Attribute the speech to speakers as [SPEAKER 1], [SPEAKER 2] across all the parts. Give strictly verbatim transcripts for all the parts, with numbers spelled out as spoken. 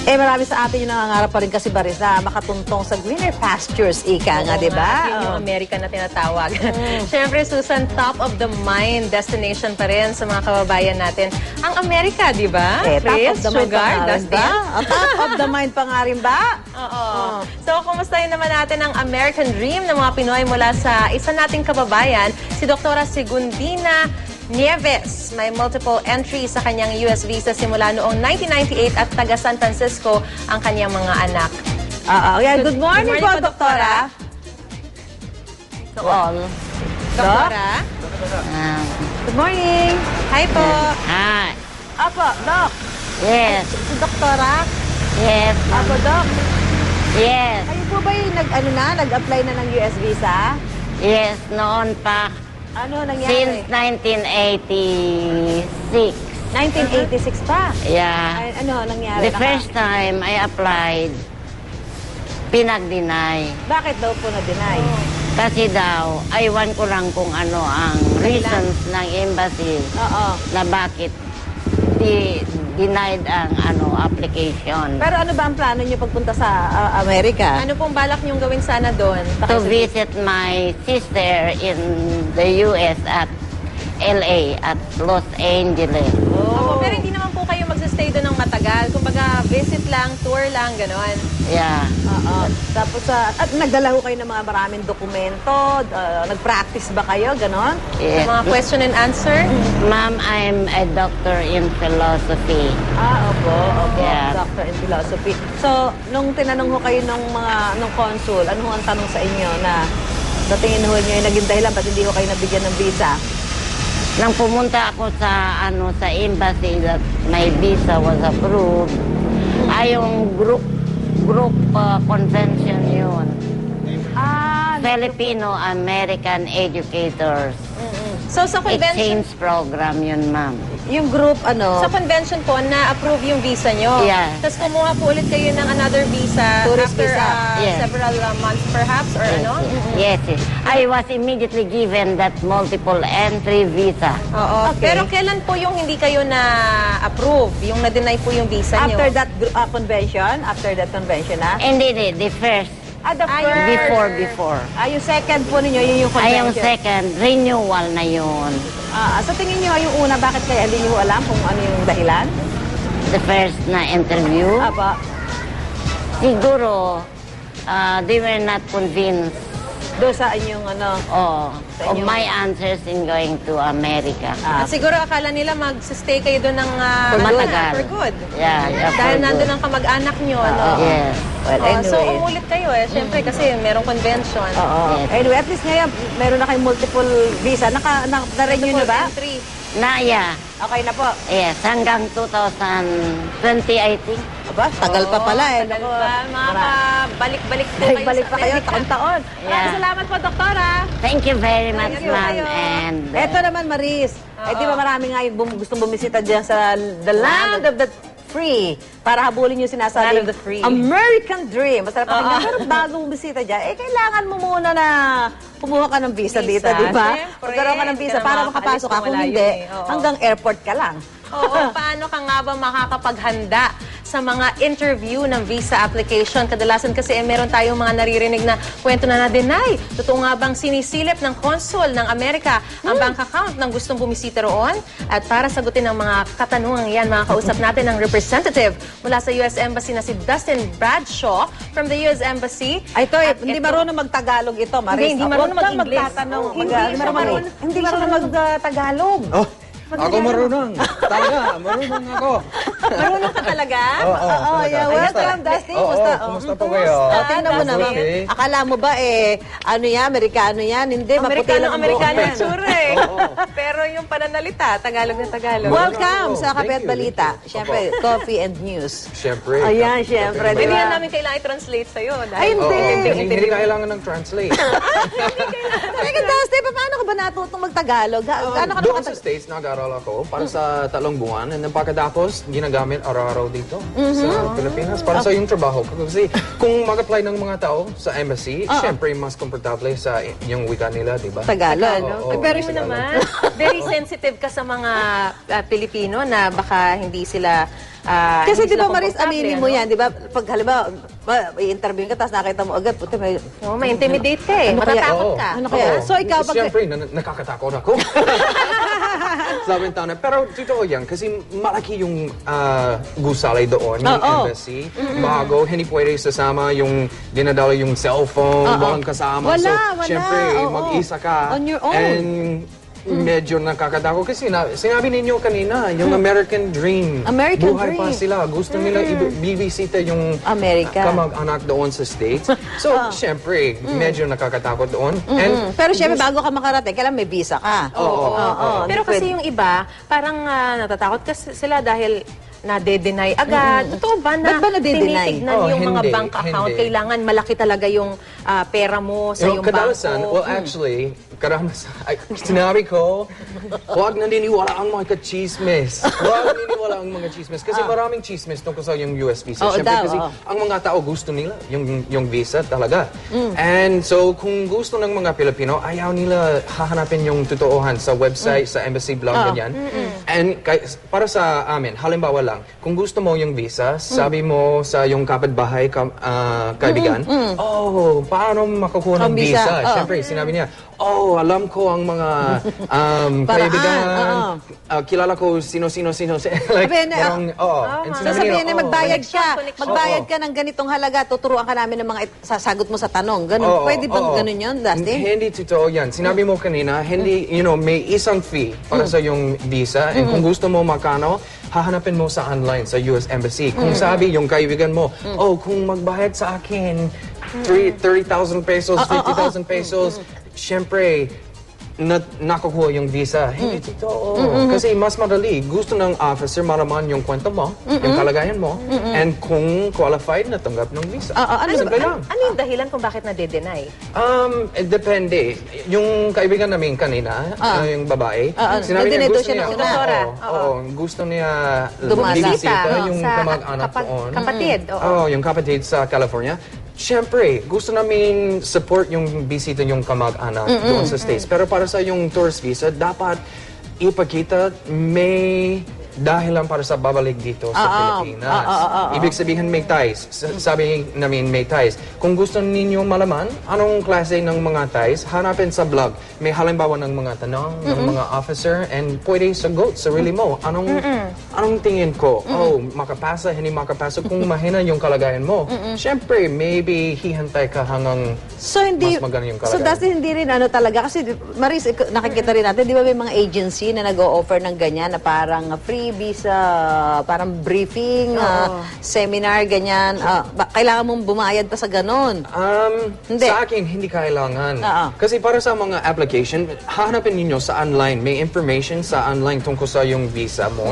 [SPEAKER 1] Eh, marami sa atin yung nangangarap pa rin kasi Baris na makatuntong sa greener pastures, ika nga, di ba?
[SPEAKER 2] Yun yung America na tinatawag. Mm. Siyempre, Susan, top of the mind destination pa rin sa mga kababayan natin. Ang Amerika, di ba?
[SPEAKER 1] Eh, top of the mind pa nga rin
[SPEAKER 2] Dustin?
[SPEAKER 1] ba? Oh, top of the mind pa nga rin ba?
[SPEAKER 2] Oo. Oh. So, kumustahin naman natin ang American Dream ng mga Pinoy mula sa isa nating kababayan, si Doktora Segundina Nieves. May multiple entry sa kanyang U S visa simula noong nineteen ninety-eight at taga San Francisco ang kanyang mga anak.
[SPEAKER 1] Oo. Yeah, good morning,
[SPEAKER 2] Good morning
[SPEAKER 1] po,
[SPEAKER 2] po,
[SPEAKER 1] Doktora.
[SPEAKER 3] To all.
[SPEAKER 2] Doktora?
[SPEAKER 3] Um,
[SPEAKER 1] Good morning.
[SPEAKER 2] Hi po.
[SPEAKER 3] hi.
[SPEAKER 1] Apo, Doc.
[SPEAKER 3] Yes.
[SPEAKER 1] Si Doktora.
[SPEAKER 3] Yes.
[SPEAKER 1] Apo, Doc.
[SPEAKER 3] Yes.
[SPEAKER 1] Kayo po ba yung nag, ano na, nag-apply na ng U S visa?
[SPEAKER 3] Yes. Noon pa.
[SPEAKER 1] Ano nangyari?
[SPEAKER 3] Since nineteen eighty-six.
[SPEAKER 1] nineteen eighty-six pa.
[SPEAKER 3] Yeah.
[SPEAKER 1] Ay, ano nangyari?
[SPEAKER 3] The
[SPEAKER 1] Naka-
[SPEAKER 3] first time I applied, pinag-deny.
[SPEAKER 1] Bakit daw po na-deny?
[SPEAKER 3] Kasi daw, aywan ko lang kung ano ang reasons ng embassy
[SPEAKER 1] Oo.
[SPEAKER 3] na bakit di denied ang ano application.
[SPEAKER 1] Pero ano ba ang plano niyo pagpunta sa uh, Amerika?
[SPEAKER 2] Ano pong balak niyong gawin sana doon?
[SPEAKER 3] To visit my sister in the U S at L A at Los Angeles.
[SPEAKER 2] Opo, pero hindi naman po kayo magsistay doon ng matagal. Kumbaga, visit lang, tour lang, gano'n.
[SPEAKER 3] Yeah.
[SPEAKER 1] Oo. Tapos, uh, at nagdala ho kayo ng mga maraming dokumento, uh, nag-practice ba kayo, ganon?
[SPEAKER 3] Yes.
[SPEAKER 2] Mga question and answer.
[SPEAKER 3] Ma'am, I'm a doctor in philosophy.
[SPEAKER 1] Ah, opo, opo,
[SPEAKER 3] Yeah.
[SPEAKER 1] doctor in philosophy. So, nung tinanong ho kayo nung mga, nung consul, ano ho ang tanong sa inyo na sa tingin ho niyo yung naging dahilan ba't hindi ho kayo nabigyan ng visa?
[SPEAKER 3] Nang pumunta ako sa ano sa embassy that my visa was approved, ay yung group group uh, convention yun.
[SPEAKER 1] Ah,
[SPEAKER 3] Filipino-American Educators.
[SPEAKER 2] So, sa convention,
[SPEAKER 3] Exchange program yun, ma'am.
[SPEAKER 1] yung group, ano,
[SPEAKER 2] sa convention po, na-approve yung visa nyo.
[SPEAKER 3] Yeah.
[SPEAKER 2] Tapos kumuha po ulit kayo ng another visa
[SPEAKER 1] Tourist
[SPEAKER 2] after
[SPEAKER 1] visa.
[SPEAKER 2] uh,
[SPEAKER 3] Yeah.
[SPEAKER 2] several uh, months perhaps, or
[SPEAKER 3] Yes,
[SPEAKER 2] ano?
[SPEAKER 3] yes. yes, yes. I was immediately given that multiple entry visa.
[SPEAKER 2] Oo.
[SPEAKER 1] Okay.
[SPEAKER 2] Pero kailan po yung hindi kayo na-approve? Yung na-deny po yung visa nyo?
[SPEAKER 1] after that gr- uh, convention, after that convention, ah?
[SPEAKER 3] And then the, the first,
[SPEAKER 1] Ah, the
[SPEAKER 2] Ah,
[SPEAKER 1] first.
[SPEAKER 2] yung
[SPEAKER 3] before, before.
[SPEAKER 1] Ah, yung second po ninyo, yun yung
[SPEAKER 3] Ay,
[SPEAKER 1] convention.
[SPEAKER 3] yung second, renewal na yun.
[SPEAKER 1] Ah, sa tingin niyo, yung una, bakit kaya hindi niyo alam kung ano yung dahilan?
[SPEAKER 3] The first na interview.
[SPEAKER 1] Aba,
[SPEAKER 3] Siguro, uh, they were not convinced
[SPEAKER 1] doon sa inyong ano.
[SPEAKER 3] oh,
[SPEAKER 1] Sa
[SPEAKER 3] of
[SPEAKER 1] inyo.
[SPEAKER 3] my answers in going to Amerika.
[SPEAKER 1] Ah,
[SPEAKER 2] At siguro akala nila mag-stay kayo doon ng uh,
[SPEAKER 3] For
[SPEAKER 2] ano,
[SPEAKER 3] matagal.
[SPEAKER 2] for good.
[SPEAKER 3] Yeah, yeah,
[SPEAKER 2] Dahil
[SPEAKER 3] for
[SPEAKER 2] nandun
[SPEAKER 3] good.
[SPEAKER 2] ang kamag-anak nyo, no?
[SPEAKER 3] Yes.
[SPEAKER 1] well,
[SPEAKER 2] Oh,
[SPEAKER 1] anyway.
[SPEAKER 2] so, umulit kayo eh. Siyempre, kasi merong convention.
[SPEAKER 1] Oo.
[SPEAKER 3] Yes.
[SPEAKER 1] Anyway, at least ngayon, meron na kayong multiple visa. Naka, na, na-renew na ba?
[SPEAKER 2] Entry.
[SPEAKER 3] Na, yeah.
[SPEAKER 1] Okay na po.
[SPEAKER 3] Yes, hanggang two thousand twenty, I think.
[SPEAKER 1] Aba, tagal pa pala eh.
[SPEAKER 2] Tagal
[SPEAKER 1] Naku,
[SPEAKER 2] pa. Makakabalik-balik po kayo
[SPEAKER 1] Balik
[SPEAKER 2] sa
[SPEAKER 1] pa kayo,
[SPEAKER 2] Amerika.
[SPEAKER 1] taon-taon.
[SPEAKER 3] Yeah.
[SPEAKER 1] Maraming salamat po, Doktora.
[SPEAKER 3] Thank you very much,
[SPEAKER 2] you.
[SPEAKER 3] ma'am.
[SPEAKER 2] Kayo.
[SPEAKER 3] And uh,
[SPEAKER 1] Eto naman, Maris. Eh, di ba marami nga yung bum- gustong bumisita dyan sa the land of the free para habulin yung sinasabi
[SPEAKER 2] Land of the free.
[SPEAKER 1] American Dream. Masarap pakinggan.
[SPEAKER 2] Oo.
[SPEAKER 1] Pero bago bumisita dyan, eh, kailangan mo muna na kumuha ka ng visa, dito,
[SPEAKER 2] Visa.
[SPEAKER 1] di ba?
[SPEAKER 2] Siyempre.
[SPEAKER 1] Magkaroon ka ng
[SPEAKER 2] Hindi
[SPEAKER 1] visa
[SPEAKER 2] ka
[SPEAKER 1] para
[SPEAKER 2] na
[SPEAKER 1] makapasok ka.
[SPEAKER 2] makakaalis
[SPEAKER 1] Kung
[SPEAKER 2] kung
[SPEAKER 1] hindi,
[SPEAKER 2] malayo eh. Oo.
[SPEAKER 1] hanggang airport ka lang.
[SPEAKER 2] Oo, paano ka nga ba makakapaghanda sa mga interview ng visa application? Kadalasan kasi eh, meron tayong mga naririnig na kwento na na-deny. Totoo nga bang sinisilip ng consul ng Amerika ang bank account ng gustong bumisita roon? At para sagutin ang mga katanungan yan, mga kausap natin ng representative mula sa U S Embassy na si Dustin Bradshaw from the U S Embassy.
[SPEAKER 1] Ay, ito, eh,
[SPEAKER 2] At
[SPEAKER 1] hindi
[SPEAKER 2] ito-
[SPEAKER 1] marunong magtagalog ito, Maris.
[SPEAKER 2] Hindi, hindi
[SPEAKER 1] Ah,
[SPEAKER 2] marunong
[SPEAKER 1] huwag kang
[SPEAKER 2] mag-English.
[SPEAKER 1] magtatanong.
[SPEAKER 2] Oo,
[SPEAKER 1] Hindi
[SPEAKER 2] mag-
[SPEAKER 1] siya marunong, hindi marunong mag-tagalog.
[SPEAKER 4] Oh, ako marunong. Talaga, marunong ako.
[SPEAKER 2] Marunong ka talaga?
[SPEAKER 4] Oo, oo,
[SPEAKER 1] Oo,
[SPEAKER 4] talaga.
[SPEAKER 1] yeah,
[SPEAKER 4] Kumusta?
[SPEAKER 1] welcome, Dustin.
[SPEAKER 4] Oo,
[SPEAKER 1] Kumusta?
[SPEAKER 4] oo, kumusta
[SPEAKER 1] Oh,
[SPEAKER 4] po kayo?
[SPEAKER 1] O, tingnan mo naman.
[SPEAKER 4] Okay.
[SPEAKER 1] Akala mo ba, eh, ano yan, Amerikano yan? Hindi, maputi
[SPEAKER 2] Amerikano,
[SPEAKER 1] lang ang
[SPEAKER 2] Amerikano
[SPEAKER 1] buhok
[SPEAKER 2] yung
[SPEAKER 1] yan.
[SPEAKER 2] tsura eh. Pero yung pananalita, Tagalog na Tagalog.
[SPEAKER 1] Welcome
[SPEAKER 4] Oo,
[SPEAKER 1] sa
[SPEAKER 4] thank
[SPEAKER 1] Kape at
[SPEAKER 4] you.
[SPEAKER 1] Balita. Siyempre, coffee and news.
[SPEAKER 4] Siyempre.
[SPEAKER 1] Ayan, siyempre.
[SPEAKER 4] Kapatid.
[SPEAKER 2] Hindi
[SPEAKER 1] Diba?
[SPEAKER 2] yan namin kailangan i-translate sa'yo.
[SPEAKER 1] Ay,
[SPEAKER 2] Dahil
[SPEAKER 1] hindi.
[SPEAKER 4] Oo,
[SPEAKER 2] Hindi,
[SPEAKER 4] hindi, hindi kailangan ng translate.
[SPEAKER 1] Teka, Dustin, paano ka ba natutong mag-Tagalog? Ga- Gaano ka
[SPEAKER 4] Doon sa
[SPEAKER 1] nakatag...
[SPEAKER 4] States, nag-aaral ako para sa talong buwan. And then pagkatapos, ginagamit araw-araw dito sa Pilipinas para sa yung trabaho ko. Kasi kung mag-apply ng mga tao sa embassy,
[SPEAKER 1] Oo.
[SPEAKER 4] syempre mas komportable sa i- yung wika nila, di ba?
[SPEAKER 1] Tagalog.
[SPEAKER 4] Oo,
[SPEAKER 2] Eh, pero
[SPEAKER 4] oo,
[SPEAKER 2] mo
[SPEAKER 4] Tagalog.
[SPEAKER 2] naman, very sensitive ka sa mga ah, Pilipino na baka hindi sila ah,
[SPEAKER 1] Kasi
[SPEAKER 2] hindi
[SPEAKER 1] di ba,
[SPEAKER 2] sila
[SPEAKER 1] Maris,
[SPEAKER 2] komportable,
[SPEAKER 1] aminin mo
[SPEAKER 2] ano?
[SPEAKER 1] yan, di ba? Pag halimbawa, ba- i-interview ka, tapos nakita mo agad, puti, may...
[SPEAKER 2] Oo, may intimidate ka eh.
[SPEAKER 1] Ano kaya-
[SPEAKER 2] Matatakot
[SPEAKER 4] Oo.
[SPEAKER 2] ka.
[SPEAKER 1] Ano kaya?
[SPEAKER 4] Oo.
[SPEAKER 1] So, ikaw, pag-
[SPEAKER 4] Siyempre, na- nakakatakot ako. Sa bintana. Pero totoo yan, kasi malaki yung ah, gusali doon, yung
[SPEAKER 1] Oo.
[SPEAKER 4] embassy. Bago, hindi pwede sasama yung dinadala yung cellphone, walang kasama.
[SPEAKER 1] Wala,
[SPEAKER 4] so,
[SPEAKER 1] wala.
[SPEAKER 4] Siyempre,
[SPEAKER 1] Oo.
[SPEAKER 4] mag-isa ka.
[SPEAKER 1] On your own.
[SPEAKER 4] And medyo nakakatakot kasi na, sinabi ninyo kanina, yung American Dream.
[SPEAKER 1] American
[SPEAKER 4] Buhay pa
[SPEAKER 1] Dream.
[SPEAKER 4] sila. Gusto nila i-bibisita yung
[SPEAKER 1] America.
[SPEAKER 4] kamag-anak doon sa States. So, syempre, medyo nakakatakot doon. And
[SPEAKER 1] Pero syempre, bago ka makarating, kailangan may visa ka.
[SPEAKER 4] Oo, oo, oo.
[SPEAKER 2] Pero
[SPEAKER 1] Hindi
[SPEAKER 2] kasi
[SPEAKER 1] pwede.
[SPEAKER 2] yung iba, parang ah, natatakot kasi sila dahil nade-deny agad. Totoo ba na
[SPEAKER 1] Ba't ba nade-deny?
[SPEAKER 2] tinitignan
[SPEAKER 4] Oh,
[SPEAKER 2] yung mga
[SPEAKER 4] hindi,
[SPEAKER 2] bank account?
[SPEAKER 4] hindi.
[SPEAKER 2] Kailangan malaki talaga yung ah, pera mo sa
[SPEAKER 4] Yung
[SPEAKER 2] yung
[SPEAKER 4] kadalasan,
[SPEAKER 2] bangko.
[SPEAKER 4] well actually, karamasan, ay, sinabi ko, huwag naniniwala ang mga ka-chismis. Huwag naniniwala ang mga chismis. Kasi maraming chismis tungkol sa yung U S visa.
[SPEAKER 1] Oo
[SPEAKER 4] Siyempre
[SPEAKER 1] daw,
[SPEAKER 4] kasi
[SPEAKER 1] oo.
[SPEAKER 4] ang mga tao gusto nila yung, yung visa talaga. And so, kung gusto ng mga Pilipino, ayaw nila hahanapin yung totoohan sa website, sa embassy blog, ganyan. And kay, para sa amin, halimbawa lang, kung gusto mo yung visa, sabi mo sa yung kapitbahay, ka, ah, kaibigan, oh, paano makakuha ng
[SPEAKER 1] Ang visa,
[SPEAKER 4] visa?
[SPEAKER 1] oo.
[SPEAKER 4] Siyempre, sinabi niya, oh, alam ko ang mga um,
[SPEAKER 1] Paraan,
[SPEAKER 4] kaibigan,
[SPEAKER 1] oo.
[SPEAKER 4] ah, kilala ko sino-sino-sino. like,
[SPEAKER 1] Sabihin na,
[SPEAKER 4] parang, oo. And
[SPEAKER 1] So
[SPEAKER 4] sinabi
[SPEAKER 1] sabihin
[SPEAKER 4] niya,
[SPEAKER 1] na
[SPEAKER 4] oh,
[SPEAKER 1] magbayad ka,
[SPEAKER 2] Connection, connection.
[SPEAKER 1] magbayad
[SPEAKER 4] Oo.
[SPEAKER 1] ka ng ganitong halaga, tuturuan ka namin ng mga it- sasagot mo sa tanong. Ganun,
[SPEAKER 4] Oo,
[SPEAKER 1] pwede bang
[SPEAKER 4] oo.
[SPEAKER 1] ganun yun, Dustin?
[SPEAKER 4] Hindi totoo yan. Sinabi mo kanina, hindi, you know, may isang fee para sa yung visa. And kung gusto mo makano, hahanapin mo sa online, sa U S Embassy. Kung sabi yung kaibigan mo, oh, kung magbayad sa akin, thirty thousand pesos, fifty thousand pesos, syempre, na nakukuha yung visa. Hindi totoo. Kasi mas madali. Gusto ng officer malaman yung kwento mo, yung kalagayan mo, and kung qualified na tanggap ng visa.
[SPEAKER 1] Ah, ah, ano
[SPEAKER 4] Simple
[SPEAKER 2] Ano,
[SPEAKER 4] lang.
[SPEAKER 2] ano yung dahilan kung bakit nade-deny?
[SPEAKER 4] Um, it depende. Yung kaibigan namin kanina,
[SPEAKER 1] Ah.
[SPEAKER 4] uh, yung babae,
[SPEAKER 1] Ah, ah.
[SPEAKER 4] sinabi niya
[SPEAKER 1] Nandito
[SPEAKER 4] gusto
[SPEAKER 1] siya
[SPEAKER 4] niya,
[SPEAKER 1] nung una.
[SPEAKER 2] Doktora.
[SPEAKER 4] oo, oo, gusto niya
[SPEAKER 1] Dumala.
[SPEAKER 4] bibisita
[SPEAKER 2] Bisita,
[SPEAKER 4] yung
[SPEAKER 2] sa
[SPEAKER 4] kamag-anak
[SPEAKER 2] kapag-
[SPEAKER 4] doon.
[SPEAKER 2] kapatid, oo.
[SPEAKER 4] Oo, yung kapatid sa California. Siyempre, gusto namin support yung bisita yung kamag-anak doon sa States. Pero para sa yung tourist visa, dapat ipakita may dahilan para sa babalik dito sa
[SPEAKER 1] Ah, ah.
[SPEAKER 4] Pilipinas.
[SPEAKER 1] Ah, ah, ah, ah.
[SPEAKER 4] Ibig sabihin may ties. S- Sabi namin may ties. Kung gusto ninyo malaman anong klase ng mga ties, hanapin sa blog. May halimbawa ng mga tanong ng mga officer and pwede sagot sarili mo. Anong anong tingin ko? Oh, makapasa, hindi makapasa. Kung mahina yung kalagayan mo, syempre, maybe hihantay ka hanggang
[SPEAKER 1] So hindi
[SPEAKER 4] mas maganda yung
[SPEAKER 1] So
[SPEAKER 4] kalagayan.
[SPEAKER 1] Dustin, hindi rin ano talaga kasi Maris, ik- nakikita rin natin, di ba may mga agency na nag-o-offer ng ganyan na parang uh, free visa, parang briefing, uh, seminar, ganyan. Ah, ba- kailangan mong bumayad pa sa ganon.
[SPEAKER 4] Um,
[SPEAKER 1] Hindi.
[SPEAKER 4] Sa akin, hindi kailangan.
[SPEAKER 1] Oo.
[SPEAKER 4] Kasi para sa mga application, hahanapin ninyo sa online. May information sa online tungkol sa yung visa mo.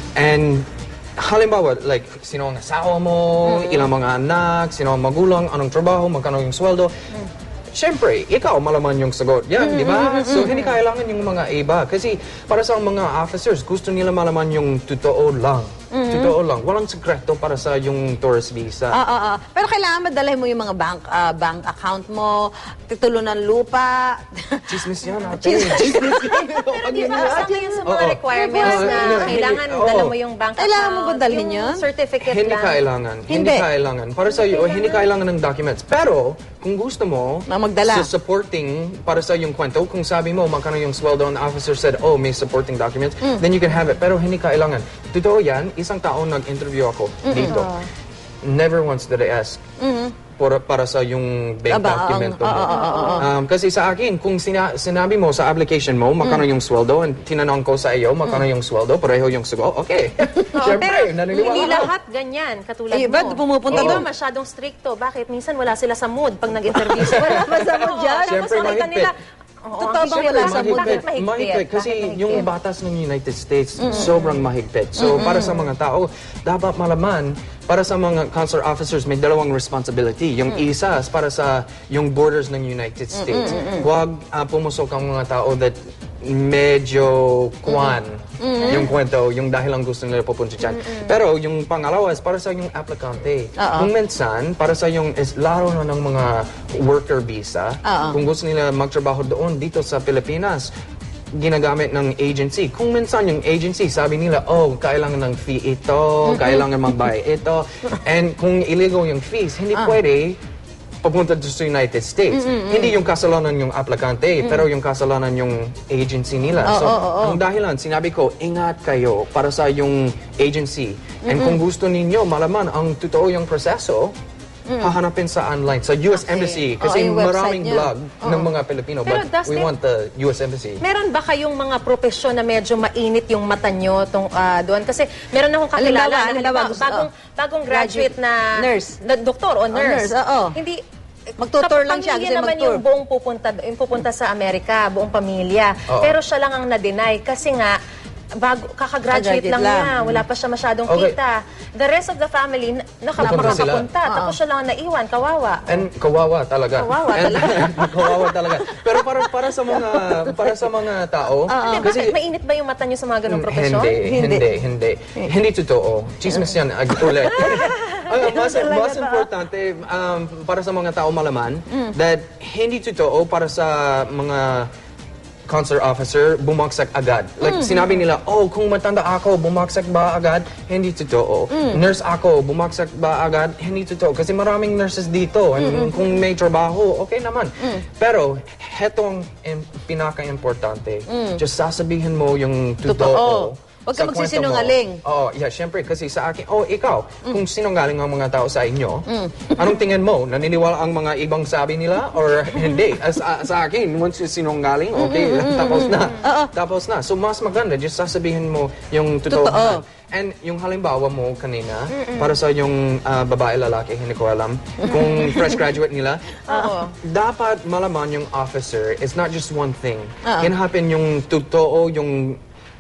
[SPEAKER 4] And halimbawa, like, sino ang asawa mo, ilang mga anak, sino ang magulang, anong trabaho, magkano yung sweldo. Siyempre, ikaw malaman yung sagot. Yan, di ba? So, hindi kailangan yung mga iba. Kasi para sa mga officers, gusto nila malaman yung totoo lang. Totoo lang. Walang sekreto para sa yung tourist visa.
[SPEAKER 1] Ah, ah, ah. Pero kailangan madalhin mo yung mga bank ah, bank account mo, titulo ng lupa.
[SPEAKER 4] Chismis yan, ate. Chismis yan.
[SPEAKER 2] Pero di ba, sa ngayon sa mga
[SPEAKER 4] Oo.
[SPEAKER 2] requirements
[SPEAKER 4] Oo.
[SPEAKER 2] na
[SPEAKER 4] Oo.
[SPEAKER 2] kailangan
[SPEAKER 4] Oo.
[SPEAKER 2] dala mo yung bank account,
[SPEAKER 1] Kailangan mo ba dalhin
[SPEAKER 2] yung
[SPEAKER 1] yun?
[SPEAKER 2] certificate
[SPEAKER 4] Hindi
[SPEAKER 2] lang.
[SPEAKER 4] kailangan. Hindi.
[SPEAKER 1] Hindi.
[SPEAKER 4] kailangan. Para sa iyo, hindi kailangan ng documents. Pero, kung gusto mo,
[SPEAKER 1] Na magdala.
[SPEAKER 4] sa supporting, para sa yung kwento, kung sabi mo, magkano yung sweldo, and the officer said, oh, may supporting documents,
[SPEAKER 1] Mm.
[SPEAKER 4] then you can have it. Pero hindi kailangan. Totoo yan, isang taon nag-interview ako dito. Never once did I ask para, para sa yung bank
[SPEAKER 1] Aba, ang-
[SPEAKER 4] documento mo.
[SPEAKER 1] oo, oo, oo.
[SPEAKER 4] Um, kasi sa akin, kung sina- sinabi mo sa application mo, magkano
[SPEAKER 1] Mm.
[SPEAKER 4] yung sweldo, and tinanong ko sa iyo, magkano yung sweldo, pareho yung sagot, okay.
[SPEAKER 2] Oo,
[SPEAKER 4] Siyempre,
[SPEAKER 2] pero
[SPEAKER 4] naniniwala
[SPEAKER 2] hindi
[SPEAKER 4] ako.
[SPEAKER 2] lahat ganyan, katulad
[SPEAKER 1] Eh,
[SPEAKER 2] mo.
[SPEAKER 1] ba't pumupunta
[SPEAKER 2] Iba
[SPEAKER 1] doon?
[SPEAKER 2] masyadong stricto. Bakit? Minsan wala sila sa mood pag nag-interview sila.
[SPEAKER 1] Wala ba sa mood
[SPEAKER 2] Oo,
[SPEAKER 1] dyan?
[SPEAKER 2] tapos
[SPEAKER 4] Siyempre,
[SPEAKER 2] makita
[SPEAKER 4] mahigpit.
[SPEAKER 2] nila, oo,
[SPEAKER 1] Totoo
[SPEAKER 2] ang
[SPEAKER 1] bang
[SPEAKER 2] siyempre,
[SPEAKER 1] wala sa mood?
[SPEAKER 2] Bakit mahigpit?
[SPEAKER 4] Mahigpit. Kasi
[SPEAKER 2] Bakit
[SPEAKER 4] yung
[SPEAKER 2] mahigpit?
[SPEAKER 4] batas ng United States, sobrang mahigpit. So, para sa mga tao, dapat malaman, para sa mga consular officers, may dalawang responsibility. Yung isa, is para sa yung borders ng United States. Huwag ah, pumusok ang mga tao that medyo kwan. yung kwento, yung dahil lang gusto nila pupunta dyan. Pero yung pangalawa is para sa yung aplikante.
[SPEAKER 1] Oo.
[SPEAKER 4] Kung minsan, para sa yung is laro na ng mga worker visa,
[SPEAKER 1] Oo.
[SPEAKER 4] kung gusto nila magtrabaho doon dito sa Pilipinas, ginagamit ng agency. Kung minsan yung agency, sabi nila, oh, kailangan ng fee ito, kailangan magbayad ito. And kung illegal yung fees, hindi pwede papunta sa United States. Hindi yung kasalanan yung aplikante, pero yung kasalanan yung agency nila.
[SPEAKER 1] Oo,
[SPEAKER 4] so,
[SPEAKER 1] oo, oo.
[SPEAKER 4] ang dahilan, sinabi ko, ingat kayo para sa yung agency. And kung gusto ninyo malaman ang totoo yung proseso, hahanapin sa online, sa U S Embassy. Kasi
[SPEAKER 1] Oo, yung website
[SPEAKER 4] maraming
[SPEAKER 1] niya.
[SPEAKER 4] blog ng mga Pilipino.
[SPEAKER 2] Pero
[SPEAKER 4] But
[SPEAKER 2] Dustin,
[SPEAKER 4] we want the U S Embassy.
[SPEAKER 2] Meron ba kayong mga propesyon na medyo mainit yung mata nyo tong, ah, doon? Kasi meron akong kakilala
[SPEAKER 1] Halimbawa,
[SPEAKER 2] na
[SPEAKER 1] halimbawa,
[SPEAKER 2] halimbawa,
[SPEAKER 1] gusto-
[SPEAKER 2] bagong,
[SPEAKER 1] oh.
[SPEAKER 2] bagong graduate na
[SPEAKER 1] Nurse.
[SPEAKER 2] na doktor o nurse.
[SPEAKER 1] nurse, oo.
[SPEAKER 2] Hindi,
[SPEAKER 1] Magtutour lang siya,
[SPEAKER 2] pamilya
[SPEAKER 1] kasi
[SPEAKER 2] naman
[SPEAKER 1] magtour.
[SPEAKER 2] yung buong pupunta, yung pupunta sa Amerika, buong pamilya.
[SPEAKER 4] Oo.
[SPEAKER 2] Pero siya lang ang na-deny kasi nga, bago, kakagraduate
[SPEAKER 1] Kakagraduate
[SPEAKER 2] lang,
[SPEAKER 1] lang.
[SPEAKER 2] niya. Wala pa siya masyadong
[SPEAKER 4] Okay.
[SPEAKER 2] kita. The rest of the family, na- naka,
[SPEAKER 4] Napunta sila.
[SPEAKER 2] makakapunta. Tapos siya lang ang naiwan, kawawa.
[SPEAKER 4] And kawawa talaga.
[SPEAKER 2] Kawawa
[SPEAKER 4] And, kawawa talaga. Pero para para sa mga para sa mga tao,
[SPEAKER 2] Hindi,
[SPEAKER 4] kasi
[SPEAKER 2] bakit? Mainit ba yung mata nyo sa mga ganong
[SPEAKER 4] Mm,
[SPEAKER 2] propesyon?
[SPEAKER 4] Hindi, hindi, hindi. Hindi totoo. Chismis yan, ag ulit. Ang mas, mas importante um, para sa mga tao malaman that hindi totoo para sa mga consular officer, bumagsak agad. Like, sinabi nila, oh, kung matanda ako, bumagsak ba agad? Hindi totoo. Nurse ako, bumagsak ba agad? Hindi totoo. Kasi maraming nurses dito. And kung may trabaho, okay naman. Pero, hetong im- pinaka-importante, just sasabihin mo yung totoo.
[SPEAKER 1] Totoo. Huwag ka
[SPEAKER 4] sa kwento
[SPEAKER 1] magsisinungaling.
[SPEAKER 4] mo. Oo, yeah, syempre. Kasi sa akin, oh, ikaw, kung sinungaling ang mga tao sa inyo, anong tingin mo? Naniniwala ang mga ibang sabi nila or hindi? As, a- sa akin, once you sinungaling, okay, tapos na. Tapos na. So, mas maganda, just sasabihin mo yung totoo.
[SPEAKER 1] Totoo.
[SPEAKER 4] And yung halimbawa mo kanina, para sa yung ah, babae, lalaki, hindi ko alam, kung fresh graduate nila, dapat malaman yung officer is not just one thing. Hinahapin yung totoo, yung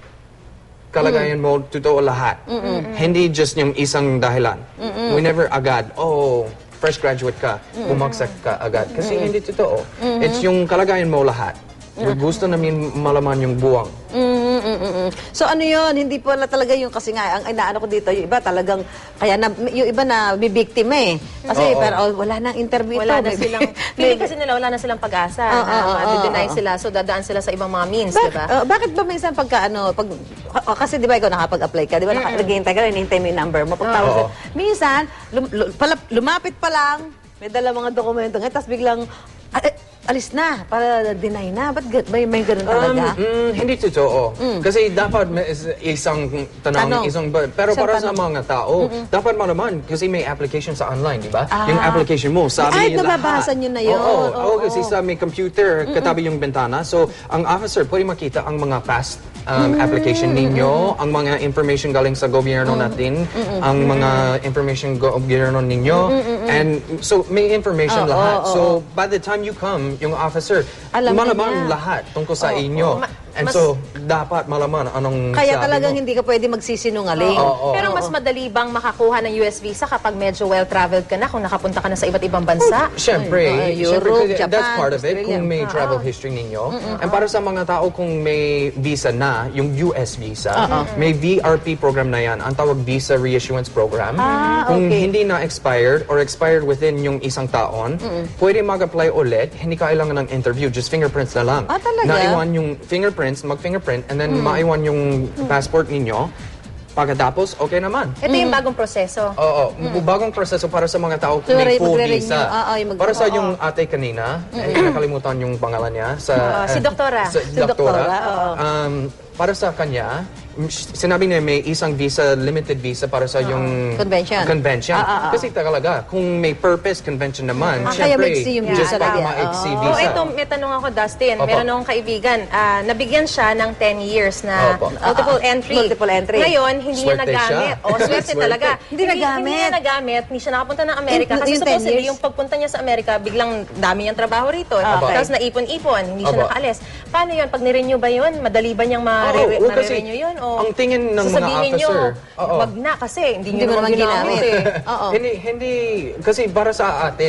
[SPEAKER 4] kalagayan mo, totoo lahat. Hindi just yung isang dahilan. We never agad, oh, fresh graduate ka, bumagsak ka agad. Kasi hindi totoo. It's yung kalagayan mo lahat. Gusto namin malaman yung buwang.
[SPEAKER 1] Mm, mm, mm, mm. So ano yun, hindi pala talaga yung kasi nga, ang inaano ko dito, yung iba talagang, kaya na, yung iba na bibiktima eh. Kasi
[SPEAKER 4] Oo.
[SPEAKER 1] pero oh, wala nang interview
[SPEAKER 2] Wala
[SPEAKER 1] ito.
[SPEAKER 2] na
[SPEAKER 1] May-
[SPEAKER 2] silang, feeling kasi nila wala na silang pag-asa
[SPEAKER 1] Oo,
[SPEAKER 2] na
[SPEAKER 1] oo,
[SPEAKER 2] ma-deny
[SPEAKER 1] oo.
[SPEAKER 2] sila. So, dadaan sila sa ibang mga means,
[SPEAKER 1] Bak-
[SPEAKER 2] di ba?
[SPEAKER 1] oh, bakit ba minsan pagka ano, pag, oh, kasi di ba ikaw nakapag-apply ka, di ba naka- naghihintay ka, hinihintay mo yung number mo. Pagtawag
[SPEAKER 4] Oo.
[SPEAKER 1] sa'yo, minsan, lum- lu- pala- lumapit pa lang, may dala mga dokumento ngayon, tapos biglang, ah, eh, alis na, para deny na. Ba't ga- may, may ganun talaga?
[SPEAKER 4] Um, mm, hindi totoo. Kasi dapat may is- isang tanong,
[SPEAKER 1] Tanong.
[SPEAKER 4] isang ba- pero
[SPEAKER 1] Isang
[SPEAKER 4] para sa
[SPEAKER 1] tanong.
[SPEAKER 4] mga tao, dapat malaman kasi may application sa online, di ba? Yung application mo, sabi
[SPEAKER 1] Ay,
[SPEAKER 4] niya lahat.
[SPEAKER 1] nababasa niyo na yun.
[SPEAKER 4] Oo, oo,
[SPEAKER 1] Oo,
[SPEAKER 4] oo, kasi
[SPEAKER 1] oo.
[SPEAKER 4] sa may computer, katabi yung bintana. So, ang officer pwede makita ang mga past um, application ninyo, ang mga information galing sa gobyerno natin, ang mga information gobyerno ninyo, and so may information
[SPEAKER 1] Oo,
[SPEAKER 4] lahat.
[SPEAKER 1] oo,
[SPEAKER 4] So, by the time you come, yung officer,
[SPEAKER 1] Alam na
[SPEAKER 4] malaman
[SPEAKER 1] niya.
[SPEAKER 4] lahat tungkol sa inyo.
[SPEAKER 2] Ma-
[SPEAKER 4] And
[SPEAKER 2] mas-
[SPEAKER 4] so, dapat malaman anong
[SPEAKER 1] Kaya
[SPEAKER 4] sabi
[SPEAKER 1] talagang
[SPEAKER 4] mo.
[SPEAKER 1] hindi ka pwede magsisinungaling.
[SPEAKER 4] Oo, oo.
[SPEAKER 2] Pero mas madali bang makakuha ng U S visa kapag medyo well-traveled ka na, kung nakapunta ka na sa iba't ibang bansa?
[SPEAKER 4] Siyempre,
[SPEAKER 1] Ay,
[SPEAKER 4] siyempre,
[SPEAKER 1] Europe,
[SPEAKER 4] kasi
[SPEAKER 1] Japan,
[SPEAKER 4] that's part of it,
[SPEAKER 1] Australia.
[SPEAKER 4] kung may travel history ninyo. And para sa mga tao kung may visa na, yung U S visa, may V R P program na yan, ang tawag Visa Reissuance Program.
[SPEAKER 1] Ah,
[SPEAKER 4] Kung
[SPEAKER 1] okay.
[SPEAKER 4] hindi na expired or expired within yung isang taon, pwede mag-apply ulit, hindi kailangan ng interview, just fingerprints na lang.
[SPEAKER 1] Ah, talaga?
[SPEAKER 4] Naiwan yung fingerprints, mag-fingerprint, and then maiwan yung passport ninyo. Pagkatapos, okay naman.
[SPEAKER 2] Ito yung bagong proseso.
[SPEAKER 4] Oo, bagong proseso para sa mga tao
[SPEAKER 1] So,
[SPEAKER 4] may
[SPEAKER 1] re-
[SPEAKER 4] full
[SPEAKER 1] magre-renew.
[SPEAKER 4] visa.
[SPEAKER 1] Oo, yung mag-
[SPEAKER 4] para sa
[SPEAKER 1] oo.
[SPEAKER 4] yung ate kanina, eh, nakalimutan yung pangalan niya. Sa,
[SPEAKER 2] Oo, si
[SPEAKER 4] eh,
[SPEAKER 2] Doktora.
[SPEAKER 4] Sa,
[SPEAKER 1] Si Doktora, oo.
[SPEAKER 4] Um, para sa kanya, m- sinabi niya may isang visa, limited visa para sa yung
[SPEAKER 1] Convention.
[SPEAKER 4] convention.
[SPEAKER 1] Ah, ah, ah.
[SPEAKER 4] Kasi talaga, kung may purpose convention naman,
[SPEAKER 1] Ah, kaya
[SPEAKER 4] syempre,
[SPEAKER 1] maiksi yung
[SPEAKER 4] just
[SPEAKER 1] visa
[SPEAKER 4] para
[SPEAKER 1] talaga.
[SPEAKER 4] maiksi
[SPEAKER 1] Oo.
[SPEAKER 2] Oh,
[SPEAKER 4] visa.
[SPEAKER 2] ito, may tanong ako, Dustin.
[SPEAKER 4] Opo.
[SPEAKER 2] Meron akong kaibigan. ah, nabigyan siya ng ten years na
[SPEAKER 4] Opo.
[SPEAKER 2] multiple entry.
[SPEAKER 1] Multiple entry.
[SPEAKER 2] Ngayon, hindi niya
[SPEAKER 4] Swerte
[SPEAKER 2] nagamit.
[SPEAKER 4] siya.
[SPEAKER 2] O, swerte
[SPEAKER 4] Swerte.
[SPEAKER 2] talaga.
[SPEAKER 1] Hindi nagamit.
[SPEAKER 2] Hindi niya nagamit. Hindi siya nakapunta ng Amerika.
[SPEAKER 1] In-
[SPEAKER 2] Kasi
[SPEAKER 1] yung ten
[SPEAKER 2] supposedly,
[SPEAKER 1] years?
[SPEAKER 2] yung pagpunta niya sa Amerika, biglang dami niyang trabaho rito.
[SPEAKER 1] Okay.
[SPEAKER 2] Tapos naipon-ipon. Hindi siya
[SPEAKER 4] Opo.
[SPEAKER 2] nakaalis. Paano yun? Pag nirenew ba yun? Madali ba niyang
[SPEAKER 4] Oo,
[SPEAKER 2] ma-re-
[SPEAKER 4] well, kasi
[SPEAKER 2] ma-renew yun? O
[SPEAKER 4] ang tingin ng mga
[SPEAKER 2] sasabihin niyo,
[SPEAKER 4] officer, oo.
[SPEAKER 2] wag na kasi hindi
[SPEAKER 1] Hindi
[SPEAKER 2] niyo
[SPEAKER 1] mo
[SPEAKER 2] naman
[SPEAKER 1] naman
[SPEAKER 2] ginamit
[SPEAKER 1] ginamit.
[SPEAKER 2] eh.
[SPEAKER 1] Oo.
[SPEAKER 4] Hindi, hindi, kasi para sa atin,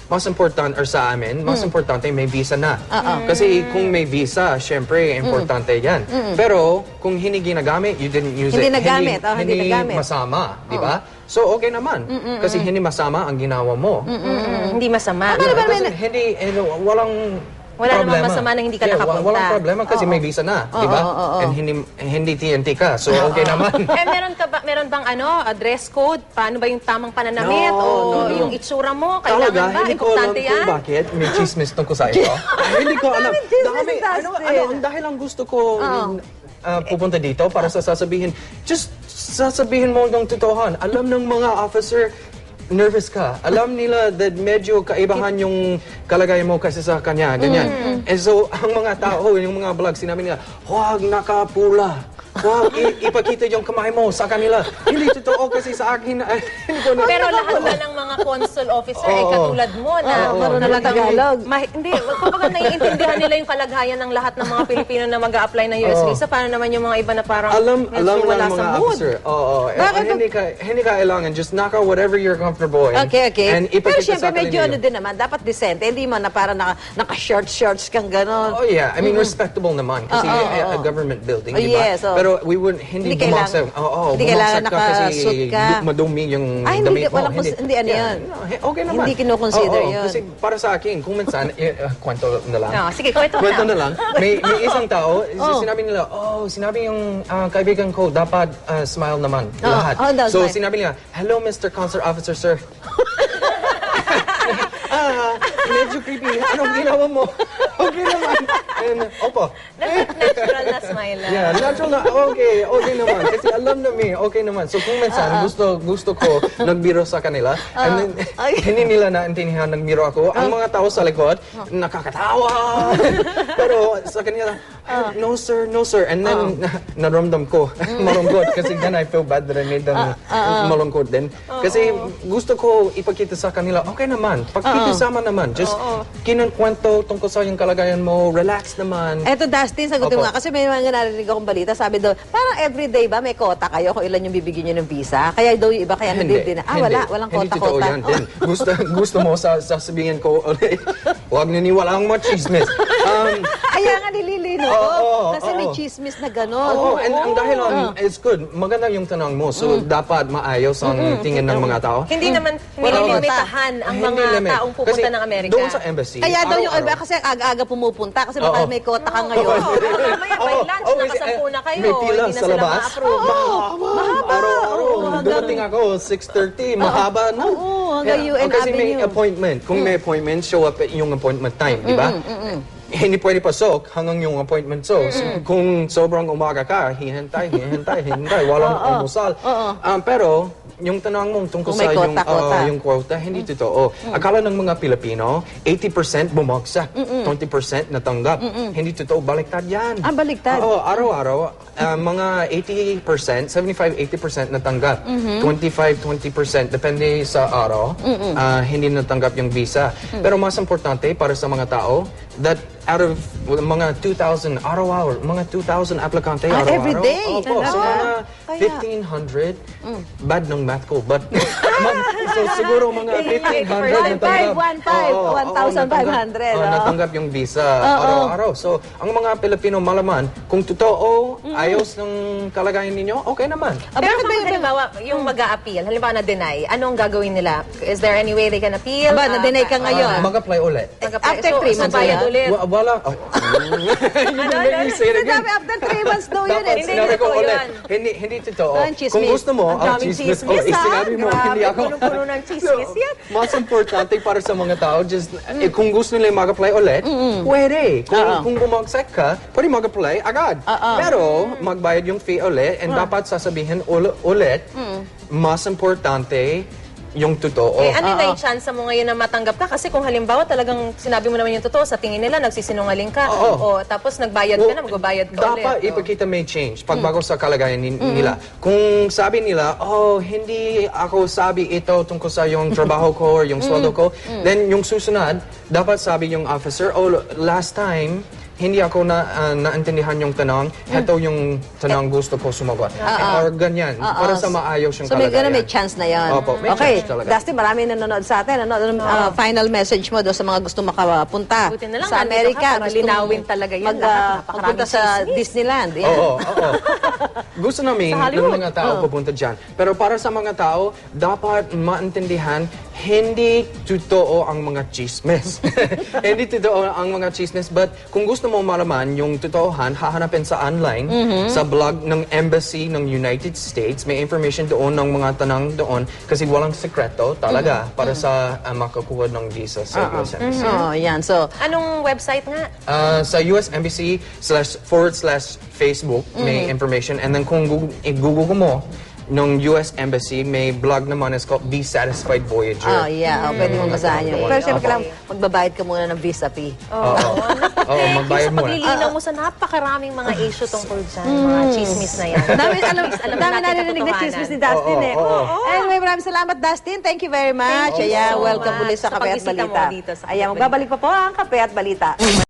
[SPEAKER 4] mas important, or sa amin, mas importante may visa na. Kasi kung may visa, syempre, importante yan. Pero kung hindi ginagamit, you didn't use
[SPEAKER 1] Hindi
[SPEAKER 4] it,
[SPEAKER 1] nagamit, oh, hindi nagamit.
[SPEAKER 4] masama, di ba? So, okay naman. Kasi hindi masama ang ginawa mo.
[SPEAKER 2] Mm, hindi masama.
[SPEAKER 4] Yeah, it doesn't- hindi, eh, no, walang
[SPEAKER 2] Wala namang
[SPEAKER 4] problema.
[SPEAKER 2] masama na hindi ka
[SPEAKER 4] Yeah,
[SPEAKER 2] nakapunta.
[SPEAKER 4] Walang problema kasi may visa na, di ba? And hindi, hindi T N T ka, so okay naman.
[SPEAKER 2] Eh, meron ka ba, meron bang ano, a dress code? Paano ba yung tamang pananamit?
[SPEAKER 4] No,
[SPEAKER 2] o
[SPEAKER 4] no, no.
[SPEAKER 2] yung itsura mo? Kailangan
[SPEAKER 4] Talaga,
[SPEAKER 2] ba?
[SPEAKER 4] hindi ko alam
[SPEAKER 2] Importante
[SPEAKER 4] kung
[SPEAKER 2] yan?
[SPEAKER 4] bakit may chismis tungkol sa ito. Hindi ko alam. Dami,
[SPEAKER 1] Dustin.
[SPEAKER 4] ano, ano, ang dahil ang gusto ko uh, pupunta dito para sa sasabihin, just sasabihin mo ng totohan. Alam ng mga officer, nervous ka. Alam nila that medyo kaibahan yung kalagayan mo kasi sa kanya, ganyan. And so, ang mga tao, yung mga vlog, sinabi nila, huwag nakapula. Huwag i- ipakita yung kamay mo sa kanila. Hindi totoo kasi sa akin, ay, hindi ko na...
[SPEAKER 2] Pero lahat ba ng mga consul officer ay
[SPEAKER 4] Oo.
[SPEAKER 2] katulad mo na
[SPEAKER 4] Oo,
[SPEAKER 1] marunong
[SPEAKER 2] talagang-
[SPEAKER 1] Tagalog.
[SPEAKER 2] Ma- hindi, kumbaga naiintindihan nila yung kalagayan ng lahat ng mga Pilipino na mag-a-apply ng U S
[SPEAKER 4] Oo.
[SPEAKER 2] visa. Paano naman yung mga iba na parang
[SPEAKER 4] Alam,
[SPEAKER 2] medyo
[SPEAKER 4] alam
[SPEAKER 2] wala
[SPEAKER 4] ng
[SPEAKER 2] sa
[SPEAKER 4] mga
[SPEAKER 2] mood?
[SPEAKER 4] officer. Oo, oo.
[SPEAKER 1] Bakit
[SPEAKER 4] hindi ka, hindi ka kailangan. Just knock out whatever you're comfortable in.
[SPEAKER 1] Okay, okay.
[SPEAKER 4] And
[SPEAKER 1] Pero
[SPEAKER 4] ipakita
[SPEAKER 1] syempre
[SPEAKER 4] sa
[SPEAKER 1] medyo
[SPEAKER 4] kanila
[SPEAKER 1] ano
[SPEAKER 4] yun.
[SPEAKER 1] din naman, dapat decente. Hindi mo na parang naka, naka-shorts-shorts kang gano'n.
[SPEAKER 4] Oh yeah, I mean respectable naman kasi
[SPEAKER 1] Oo, oo,
[SPEAKER 4] a, a
[SPEAKER 1] oo.
[SPEAKER 4] government building,
[SPEAKER 1] Oh,
[SPEAKER 4] di ba?
[SPEAKER 1] yes, oo.
[SPEAKER 4] Pero we wouldn't hindi,
[SPEAKER 1] Hindi kailangan-
[SPEAKER 4] bumagsak. Oo, oh,
[SPEAKER 1] hindi kailangan
[SPEAKER 4] kasi
[SPEAKER 1] nakasuit ka.
[SPEAKER 4] du- madumi yung
[SPEAKER 1] Ay, hindi,
[SPEAKER 4] damit mo.
[SPEAKER 1] walang cons- hindi ano
[SPEAKER 4] Yeah,
[SPEAKER 1] yun.
[SPEAKER 4] no, he- okay naman.
[SPEAKER 1] Hindi kinoconsider
[SPEAKER 4] Oo,
[SPEAKER 1] yun.
[SPEAKER 4] Kasi para sa akin, kung minsan, eh, uh, kwento na lang.
[SPEAKER 2] No, sige, kwento mo
[SPEAKER 4] Kwento
[SPEAKER 2] na.
[SPEAKER 4] na lang. May, may isang tao, sinabi nila, oh, sinabi yung ah, kaibigan ko, dapat ah, smile naman,
[SPEAKER 1] Oo,
[SPEAKER 4] lahat.
[SPEAKER 1] oh, daw,
[SPEAKER 4] So
[SPEAKER 1] smile.
[SPEAKER 4] sinabi niya, hello, Mister Consular Officer, sir. ah, medyo creepy. Anong ginawa mo? Okay naman. And, opo.
[SPEAKER 2] Natural na smile lang.
[SPEAKER 4] Yeah, natural na, okay, okay naman. Kasi alam na me, okay naman. So kung minsan, gusto gusto ko nagbiro sa kanila, and then,
[SPEAKER 1] Ay.
[SPEAKER 4] hindi nila naintindihan nagbiro ako, ang mga tao sa likod, nakakatawa. Pero sa kanila, no sir, no sir. And then, na, naramdam ko, malungkot. Kasi then I feel bad that I made them malungkot din. Kasi gusto ko ipakita sa kanila, okay naman, pagkikisama naman. Just kinunkwento tungkol sa yung kalagayan mo, relax naman.
[SPEAKER 1] Eto, Dustin, sagutin mo
[SPEAKER 4] Opo.
[SPEAKER 1] nga. Kasi may mga narinig akong balita. Sabi daw, parang everyday ba may kota kayo kung ilan yung bibigyan nyo ng visa? Kaya daw yung iba kaya nabibili na. Ah,
[SPEAKER 4] hindi.
[SPEAKER 1] wala. Walang
[SPEAKER 4] Hindi totoo
[SPEAKER 1] kota-kota.
[SPEAKER 4] yan. Then, gusto, gusto mo sa, sasabihin ko ulit, huwag niniwala ang mga chismis. Um,
[SPEAKER 1] Kaya nga nililino ko.
[SPEAKER 4] Oo, oo,
[SPEAKER 1] Kasi may
[SPEAKER 4] oo.
[SPEAKER 1] chismis na gano'n.
[SPEAKER 4] Oo, and ang dahil on, it's good. Maganda yung tanong mo. So, dapat maayos ang tingin ng mga tao.
[SPEAKER 2] Hindi naman nililimitahan ang
[SPEAKER 4] Hindi
[SPEAKER 2] mga
[SPEAKER 4] limit.
[SPEAKER 2] taong pupunta
[SPEAKER 4] Kasi
[SPEAKER 2] ng Amerika.
[SPEAKER 4] doon sa embassy,
[SPEAKER 1] Kaya daw yung iba
[SPEAKER 4] araw-araw.
[SPEAKER 1] kasi aga-aga pumupunta kasi baka
[SPEAKER 4] Oo.
[SPEAKER 1] may kota ka ngayon.
[SPEAKER 2] Oo, mamaya by
[SPEAKER 4] Oo,
[SPEAKER 2] lunch,
[SPEAKER 4] oo,
[SPEAKER 2] nakasampu na kayo.
[SPEAKER 4] May pila
[SPEAKER 2] Hindi na
[SPEAKER 4] sa
[SPEAKER 2] sila
[SPEAKER 4] labas.
[SPEAKER 2] ma-approve.
[SPEAKER 4] Mahaba. Araw-araw. Dumating ako, six thirty. Mahaba, no?
[SPEAKER 1] Oo, hanggang U N
[SPEAKER 4] Kasi may
[SPEAKER 1] Avenue.
[SPEAKER 4] appointment. Kung may appointment, show up at yung appointment time, di ba? Hindi pwede pasok hanggang yung appointment. So, kung sobrang umaga ka, hihintay, hihintay, hihintay. Walang almusal. Um, pero, yung tanong mo tungkol
[SPEAKER 1] Kung may
[SPEAKER 4] sa yung,
[SPEAKER 1] quota, quota.
[SPEAKER 4] uh, yung quota, hindi totoo. Akala ng mga Pilipino, eighty percent bumagsak, twenty percent natanggap. Hindi totoo, baliktad yan.
[SPEAKER 1] Ah, baliktad.
[SPEAKER 4] Oo, araw-araw, uh, mga eighty percent, seventy-five to eighty percent natanggap. twenty-five to twenty percent, depende sa araw, uh, hindi natanggap yung visa. Pero mas importante para sa mga tao, that out of mga two thousand araw-araw, mga two thousand aplikante
[SPEAKER 1] Ah,
[SPEAKER 4] araw-araw.
[SPEAKER 1] every day?
[SPEAKER 4] Opo, so
[SPEAKER 1] Talaga?
[SPEAKER 4] mga
[SPEAKER 1] Kaya-
[SPEAKER 4] fifteen hundred, bad ng math ko, but mag- so siguro mga fifteen hundred
[SPEAKER 1] One five, one five,
[SPEAKER 4] Oo, oo,
[SPEAKER 1] one thousand five hundred,
[SPEAKER 4] natanggap- oo,
[SPEAKER 1] oo.
[SPEAKER 4] natanggap yung visa araw-araw. So, ang mga Pilipino malaman, kung totoo, ayos ng kalagayan ninyo, okay naman.
[SPEAKER 1] Ah,
[SPEAKER 2] Pero
[SPEAKER 1] bakit ba
[SPEAKER 2] kung
[SPEAKER 1] yung...
[SPEAKER 2] halimbawa, yung mag-a-appeal, halimbawa na-deny, anong gagawin nila? Is there any way they can appeal?
[SPEAKER 1] Aba, na-deny ka
[SPEAKER 2] Ah,
[SPEAKER 1] ngayon.
[SPEAKER 4] Uh, mag-apply ulit.
[SPEAKER 2] mag-apply.
[SPEAKER 1] After
[SPEAKER 2] So,
[SPEAKER 1] three
[SPEAKER 2] so
[SPEAKER 1] months
[SPEAKER 2] bayad
[SPEAKER 1] na yan?
[SPEAKER 2] ulit.
[SPEAKER 4] Wa- wala. Oh. You made me say it again.
[SPEAKER 1] Sinabi, after three months daw yun
[SPEAKER 4] Dapat
[SPEAKER 1] eh.
[SPEAKER 2] Hindi
[SPEAKER 4] sinabi ko
[SPEAKER 2] totoo
[SPEAKER 4] ulit.
[SPEAKER 2] yan.
[SPEAKER 4] Hindi, hindi totoo.
[SPEAKER 1] Ah, chismis.
[SPEAKER 4] Kung gusto mo,
[SPEAKER 2] Ang
[SPEAKER 4] oh,
[SPEAKER 2] daming
[SPEAKER 4] chismis.
[SPEAKER 2] chismis,
[SPEAKER 4] Oh, eh,
[SPEAKER 2] ah.
[SPEAKER 4] sinabi mo,
[SPEAKER 2] Grabe,
[SPEAKER 4] hindi ako.
[SPEAKER 2] punong-puno ng chismis yan.
[SPEAKER 4] Mas importante para sa mga tao, just, eh, kung gusto nila mag-apply ulit, pwede. Kung,
[SPEAKER 1] Oo.
[SPEAKER 4] kung bumagsak ka, pwede mag-apply agad. Pero, magbayad yung fee ulit, and dapat sasabihin ul- ulit, mas importante, yung totoo.
[SPEAKER 2] Eh, ano na yung chance mo ngayon na matanggap ka? Kasi kung halimbawa talagang sinabi mo naman yung totoo, sa tingin nila nagsisinungaling ka, o
[SPEAKER 4] Oo.
[SPEAKER 2] tapos nagbayad ka na, magbabayad ka ulit.
[SPEAKER 4] Dapat
[SPEAKER 2] O.
[SPEAKER 4] ipakita may change pagbago sa kalagayan ni- nila. Kung sabi nila, oh, hindi ako sabi ito tungkol sa yung trabaho ko or yung sweldo ko, then yung susunod, dapat sabi yung officer, oh, last time, hindi ako na ah, naintindihan yung tanong, heto yung tanong gusto ko sumagot. Or ganyan, para sa maayos yung
[SPEAKER 1] So may
[SPEAKER 4] kalagayan.
[SPEAKER 1] gano'n, may chance na yan.
[SPEAKER 4] Opo, may
[SPEAKER 1] okay,
[SPEAKER 4] chance talaga.
[SPEAKER 1] Dusty, marami nanonood sa atin. Ano, ano, ah, final message mo doon sa mga gusto makapunta
[SPEAKER 2] Buti na lang,
[SPEAKER 1] sa
[SPEAKER 2] nandito
[SPEAKER 1] Amerika.
[SPEAKER 2] ka para
[SPEAKER 1] Gusto
[SPEAKER 2] linawin talaga yan.
[SPEAKER 1] Mag,
[SPEAKER 2] Lahat,
[SPEAKER 1] ah,
[SPEAKER 2] napakaraming
[SPEAKER 1] magpunta sa
[SPEAKER 2] chismis.
[SPEAKER 1] Disneyland. Yan.
[SPEAKER 4] Oo, oo. Gusto namin
[SPEAKER 2] Sa
[SPEAKER 4] ng
[SPEAKER 2] Hollywood.
[SPEAKER 4] mga tao pupunta dyan. Pero para sa mga tao, dapat maintindihan, hindi totoo ang mga chismes. Hindi totoo ang mga chismes, but kung gusto mo malaman yung totohan, hahanapin sa online, sa blog ng Embassy ng United States. May information doon ng mga tanang doon kasi walang sekreto talaga para sa uh, makakuha ng visa sa U S Embassy.
[SPEAKER 1] Oh, yan. So,
[SPEAKER 2] Anong website nga?
[SPEAKER 4] Uh, sa U S Embassy slash forward slash Facebook may information, and then kung Google, i-google mo nung U S Embassy, may blog naman, is called Be Satisfied Voyager.
[SPEAKER 1] oh, yeah. Oh, pwede mong basahin yun.
[SPEAKER 4] Opo.
[SPEAKER 1] Pero siyempre, kailangan magbabayad ka muna ng visa fee.
[SPEAKER 4] Oo. Oo, magbayad
[SPEAKER 2] Sa
[SPEAKER 4] mo.
[SPEAKER 2] paglilinaw mo sa napakaraming mga issue tungkol dyan, mga chismis na yan.
[SPEAKER 1] Dami, alam,
[SPEAKER 2] Alam
[SPEAKER 1] dami
[SPEAKER 2] natin
[SPEAKER 1] narinig na
[SPEAKER 2] katotohanan.
[SPEAKER 1] chismis ni Dustin
[SPEAKER 4] Oo,
[SPEAKER 1] eh.
[SPEAKER 4] oo, oo.
[SPEAKER 1] Anyway, maraming salamat, Dustin. Thank you very much.
[SPEAKER 2] Thank you
[SPEAKER 1] Ayan,
[SPEAKER 2] so
[SPEAKER 1] welcome
[SPEAKER 2] much
[SPEAKER 1] ulit sa
[SPEAKER 2] sa
[SPEAKER 1] Kape at
[SPEAKER 2] pagbisita mo
[SPEAKER 1] Balita.
[SPEAKER 2] dito sa Kape
[SPEAKER 1] Ayan,
[SPEAKER 2] at
[SPEAKER 1] magbabalik pa po ang Kape at Balita.